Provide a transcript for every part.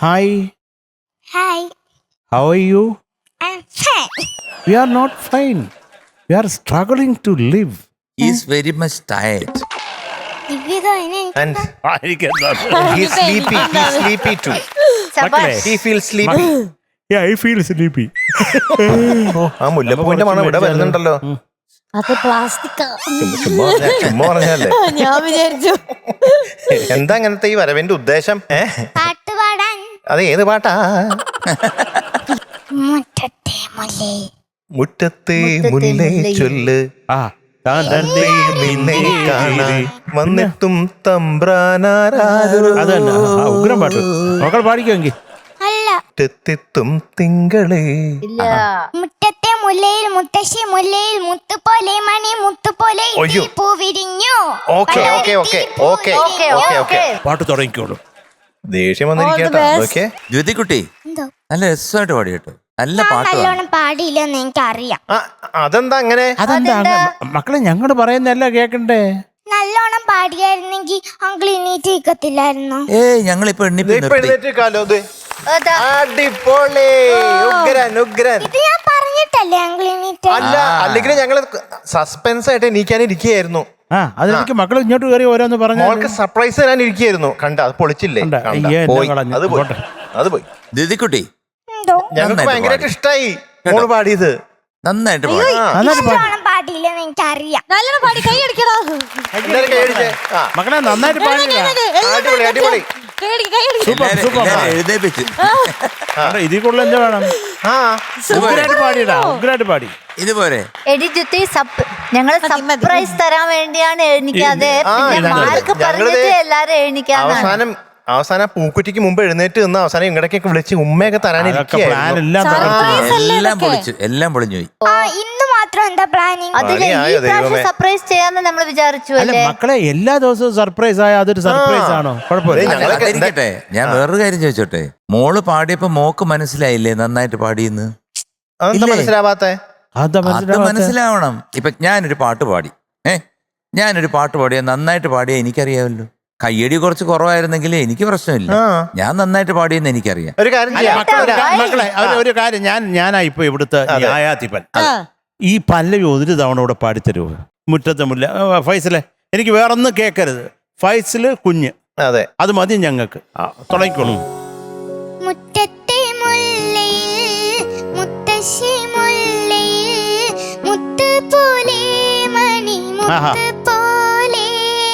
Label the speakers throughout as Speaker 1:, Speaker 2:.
Speaker 1: Hi.
Speaker 2: Hi.
Speaker 1: How are you?
Speaker 2: I'm fine.
Speaker 1: We are not fine. We are struggling to live.
Speaker 3: He is very much tired.
Speaker 4: And
Speaker 1: He's
Speaker 4: he's sleepy too. He feels sleepy.
Speaker 1: Yeah, I feel sleepy.
Speaker 4: ആ മുല്ലപ്പൂവിന്റെ മണം ഇവിടെ വരുന്നുണ്ടല്ലോ.
Speaker 5: അത് plastic
Speaker 4: ചുമ്മാ പറഞ്ഞല്ലേ.
Speaker 5: ഞാൻ വിചാരിച്ചു
Speaker 4: എന്താ അങ്ങനത്തെ ഈ വരവിന്റെ ഉദ്ദേശം?
Speaker 2: പാട്ട് പാടാൻ.
Speaker 4: അത് ഏത് പാട്ടാ?
Speaker 2: മുറ്റത്തെ മുല്ലേ.
Speaker 4: മുറ്റത്തെ മുല്ലേ ചൊല്ല് നിന്നെ കാണാൻ വന്നിട്ടും തമ്പ്രാനാരാരോ.
Speaker 1: അതന്നെ ഉഗ്രം പാട്ട്. മക്കൾ പാടിക്കുമെങ്കിൽ.
Speaker 2: അല്ല.
Speaker 4: മുറ്റത്തെത്തും തിങ്കളേ.
Speaker 5: ഇല്ല.
Speaker 2: മുറ്റത്തെ മുല്ലയിൽ മുത്തശ്ശി മുല്ലയിൽ മുത്തുപോലെ മണി മുത്തുപോലെ
Speaker 4: അയ്യോ.
Speaker 2: പൂ വിരിഞ്ഞു.
Speaker 4: Okay okay okay okay okay okay
Speaker 1: പാട്ട് തുടങ്ങിക്കോളൂ.
Speaker 4: ദേഷ്യം വന്നിരിക്കട്ടോ. ഓക്കെ
Speaker 3: ജ്യോതിക്കുട്ടി
Speaker 2: എന്തോ
Speaker 3: നല്ല രസമായിട്ട് പാടി കേട്ടോ. നല്ല പാട്ട്
Speaker 2: നല്ലോണം പാടിയില്ലെന്ന് എനിക്കറിയാം.
Speaker 4: അതെന്താ അങ്ങനെ?
Speaker 1: അതെന്താ മക്കളെ ഞങ്ങള് പറയുന്നല്ല കേക്കണ്ടേ?
Speaker 2: നല്ലോണം പാടിയായിരുന്നെങ്കിൽ അങ്കിൾ ഇനീറ്റ് നിൽക്കത്തില്ലായിരുന്നു.
Speaker 3: ഞങ്ങളിപ്പോ
Speaker 4: എഴുന്നേറ്റേക്കാലോ. അടിപൊളി. ഉഗ്രൻ ഉഗ്രൻ.
Speaker 2: ഇത് ഞാൻ പറഞ്ഞിട്ടല്ലേ അങ്കിൾ ഇനീറ്റ്.
Speaker 4: അല്ല അല്ലെങ്കിൽ ഞങ്ങള് സസ്പെൻസ് ആയിട്ട് എണീക്കാനിരിക്കുകയായിരുന്നു.
Speaker 1: അതിലേക്ക് മക്കൾ ഇങ്ങോട്ട് കയറി ഓരോന്ന് പറഞ്ഞു.
Speaker 4: മോൾക്ക് സർപ്രൈസ് തരാൻ ഇരിക്കുകയായിരുന്നു. കണ്ട അത് പൊളിച്ചില്ലേ?
Speaker 1: കണ്ട.
Speaker 4: കണ്ട.
Speaker 1: അയ്യേ,
Speaker 4: പോയി.
Speaker 1: എന്നെ കളഞ്ഞു.
Speaker 4: അത് പോയി.
Speaker 1: പോട്ടെ.
Speaker 4: അത് പോയി.
Speaker 3: ജ്യോതിക്കുട്ടി
Speaker 2: എന്തോ
Speaker 4: ഞങ്ങൾക്ക്
Speaker 3: നന്നായിട്ട്
Speaker 4: ഭയങ്കരമായിട്ട്
Speaker 3: പാടി.
Speaker 4: ഇഷ്ടായി മോള് പാടിയത്.
Speaker 3: നന്നായിട്ട് പാടി.
Speaker 1: നന്നായിട്ട് പാടി.
Speaker 2: നല്ലോണം പാടിയില്ലെന്ന് എനിക്കറിയാം.
Speaker 5: നല്ലോണം പാടി കൈ അടിക്കടാ.
Speaker 4: എല്ലാവരും കൈയടിച്ചേ. ആ,
Speaker 1: മക്കളെ നന്നായിട്ട് പാടില്ല.
Speaker 4: അടിപൊളി അടിപൊളി.
Speaker 3: എല്ലാവരും എഴുന്നേപ്പിച്ചു.
Speaker 1: ഇതിൽ കൂടുതൽ എന്താ വേണം?
Speaker 4: ആ
Speaker 1: ഉഗ്രായിട്ട് പാടിയടാ. ഉഗ്രായിട്ട് പാടി.
Speaker 3: ഇതുപോലെ
Speaker 5: എടി ജ്യോതി ഞങ്ങള് സർപ്രൈസ് തരാൻ വേണ്ടിയാണ് എഴുന്നിക്കാതെ.
Speaker 4: ആ,
Speaker 5: പിന്നെ
Speaker 4: ഞങ്ങള്
Speaker 5: മാർക്ക് പറഞ്ഞിട്ട് എല്ലാരും എഴുന്നിക്കാന്നാണ്.
Speaker 4: അവസാനം പൂക്കുറ്റിക്ക് മുമ്പ് എഴുന്നേറ്റ് നിന്ന് അവസാനം ഇങ്ങടക്കൊക്കെ വിളിച്ച് ഉമ്മയൊക്കെ
Speaker 1: അതൊക്കെ പ്ലാൻ
Speaker 4: തരാനിരിക്കുകയായിരുന്നു.
Speaker 1: എല്ലാം
Speaker 3: എല്ലാം പൊളിഞ്ഞു പോയി.
Speaker 2: ഇന്ന് മാത്രം എന്താ പ്ലാനിങ്?
Speaker 5: അതില് ഈ
Speaker 4: പണിയായോ
Speaker 5: പ്രാവശ്യം
Speaker 4: ദൈവമേ.
Speaker 5: സർപ്രൈസ് ചെയ്യാന്ന് നമ്മൾ വിചാരിച്ചു
Speaker 1: അല്ല
Speaker 5: അല്ലേ?
Speaker 1: മക്കളെ എല്ലാ ദിവസവും സർപ്രൈസ് ആയ അതൊരു സർപ്രൈസ് ആണോ? കുഴപ്പമില്ല.
Speaker 4: ഞങ്ങളൊക്കെ
Speaker 3: അതിരിക്കട്ടെ, ഞാൻ വേറൊരു കാര്യം ചോദിച്ചോട്ടെ. മോള് പാടിയപ്പോ മോക്ക് മനസ്സിലായില്ലേ നന്നായിട്ട് പാടിയെന്ന്?
Speaker 4: അതെന്താ
Speaker 3: ഇല്ലേ?
Speaker 4: മനസ്സിലാവാത്തെ?
Speaker 1: അതാ
Speaker 3: അത് മനസ്സിലാവണം. ഇപ്പൊ ഞാനൊരു പാട്ട് പാടി ഞാനൊരു പാട്ട് പാടിയാ നന്നായിട്ട് പാടിയാ എനിക്കറിയാമല്ലോ. കയ്യടി കുറച്ച് കുറവായിരുന്നെങ്കിൽ എനിക്ക് പ്രശ്നമില്ല.
Speaker 4: ആ.
Speaker 3: ഞാൻ നന്നായിട്ട് പാടിയെന്ന് എനിക്കറിയാം.
Speaker 4: ഒരു കാര്യം ചെയ്യാം.
Speaker 1: മക്കളെ ഒരു കാര്യം ഞാനാ ഇപ്പൊ ഇവിടുത്തെ ന്യായാധിപൻ. ഈ പല്ലവി ഒരു തവണ ഇവിടെ പാടിത്തരുമോ? മുറ്റത്തെ മുല്ല. ഫൈസലെ എനിക്ക് വേറൊന്നും കേൾക്കരുത്. ഫൈസല് കുഞ്ഞ്
Speaker 4: അതെ
Speaker 1: അത് മതി ഞങ്ങൾക്ക്. തുടങ്ങിക്കോളൂ.
Speaker 2: മുറ്റത്തെ മുല്ലയിൽ മുത്തശ്ശി മുല്ലയിൽ മുത്ത് പോലെ മണി മുത്ത് പോലെ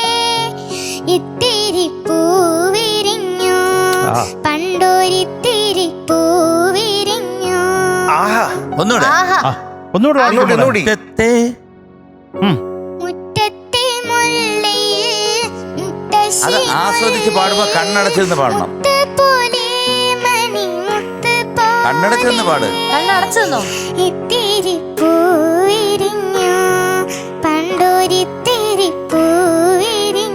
Speaker 2: ഇത്തിരി പൂവിരിഞ്ഞു പണ്ടൊരിത്തിരി പൂവിരിഞ്ഞു.
Speaker 3: ഒന്നുകൂടെ.
Speaker 1: ഒന്നുകൂടെ
Speaker 4: ഒന്നുകൂടി.
Speaker 3: മുറ്റത്തെ
Speaker 2: മുറ്റത്തെ മുല്ലയിൽ മുത്തശ്ശി
Speaker 3: അത് ആസ്വദിച്ച് പാടുമ്പോ കണ്ണടച്ചിരുന്ന് പാടണം.
Speaker 2: മുത്ത് പോലെ മണി മുത്ത് പോലെ
Speaker 3: കണ്ണടച്ചിരുന്ന് പാട്.
Speaker 5: കണ്ണടച്ചെന്നോ?
Speaker 2: ഇത്തിരി പൂവിരിഞ്ഞു പണ്ടൊരിത്തിരി പൂവിരിഞ്ഞു.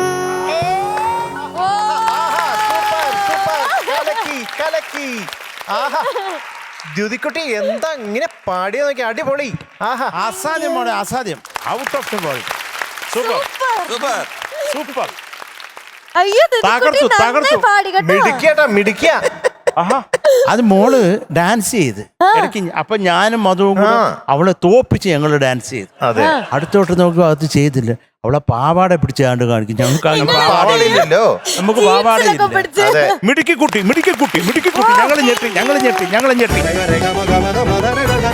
Speaker 4: ദ്യുതിക്കുട്ടി എന്താ ഇങ്ങനെ പാടിയ നോക്കി. അടിപൊളി. ആഹാ
Speaker 1: അസാധ്യം മോളെ, അസാധ്യം. Out of the world. Super
Speaker 3: super.
Speaker 1: Super.
Speaker 5: അയ്യോ
Speaker 1: തകർത്തു, തകർത്തു.
Speaker 5: പാടി കേട്ടോ.
Speaker 4: മിടുക്കിയാട്ടാ മിടുക്കിയ.
Speaker 1: അത് മോള് ഡാൻസ് ചെയ്ത് ഇടയ്ക്ക്. അപ്പൊ ഞാനും മധുവും കൂടെ അവളെ തോപ്പിച്ച് ഞങ്ങള് ഡാൻസ് ചെയ്തു.
Speaker 4: അതെ
Speaker 1: അടുത്തോട്ട് നോക്കുക അത് ചെയ്തില്ല. അവളെ പാവാട പിടിച്ച് കണ്ട് കാണിക്കും. ഞങ്ങൾക്ക്
Speaker 4: പാവാടയില്ലല്ലോ.
Speaker 1: നമുക്ക് പാവാടയില്ല.
Speaker 4: അതെ
Speaker 1: മിടുക്കി കുട്ടി മിടുക്കി കുട്ടി മിടുക്കി കുട്ടി. ഞങ്ങൾ ഞെട്ടി.